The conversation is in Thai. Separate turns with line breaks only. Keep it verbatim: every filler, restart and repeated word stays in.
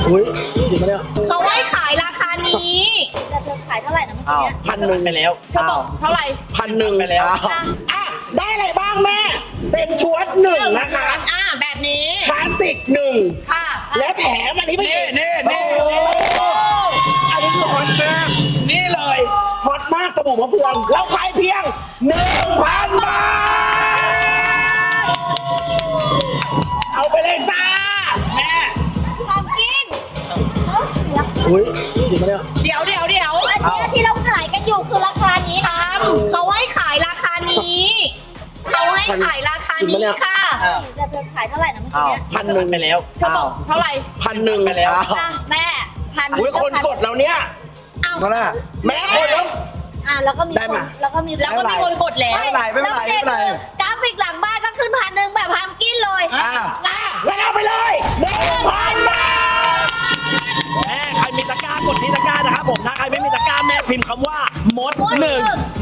อุ้ยจริงปะเนี่ย
เขาให้ขายราคานี้
แต่เธอขายเท่าไหร่นะเมื่อ
อ้า
กี้
ว
เนี่ย
พันหนึ่งไปแล้ว
เธอบอกเท่าไหร่
พันหนึ่งไปแล้วอ่ะได้อะไรบ้างแม่เป็นชุดหนึ่งนะคะ
อ่าแบบนี้
คลาสสิกหนึ่ง
ค่ะ
และแถมอันนี้ไปอีก
นี่นี่
โอ้โหอันนี้คือฮอตมากนี่เลยฮอตมากสบู่มะพร้าวเราขายเพียงหนึ่งพันบาทเอาไปเลยจ้าแม่
ของกินเอ้าเดี๋ยว
อุ้ยจริงปะเนี่ย
เดี๋ยวเดี๋ยวเดี๋ยว
อันเนี้ยที่เราขายกันอยู่คือราคานี้นะ
ทำเขาให้ขายราคานี้เขาให้ขายราคานี้ค่ะ
แต่เธอขายเท่าไหร่นะเมื่อกี้เนี่ย
พันหนึ่งไปแล้ว
เธอบอกเท่าไหร่
พันหนึ่งไปแล้ว
อ่ะแม่พัน
อุ้ยคนกดเราเนี่ย
เอา
เท่าไหร่
แม่คนแล้ว
อ่ะแล้วก็มี
ได้
คน
มา
แล้วก็มี
แล้วก็มีคนกดแล้ว
ไม่เป็นไรไม่เป็นไรไม่เป็นไร
กราฟิกหลังบ้านก็ขึ้นพันหนึ่งแบบพัมกินเลย
อ่ะ
อ่ะงั้นเอาไปเลยหนึ่งพันบาทแม่ใครมีตะกร้ากดที่ตะกร้านะครับผมถ้าใครไม่มีตะกร้าแม่พิมพ์คำว่ามดหนึ่ง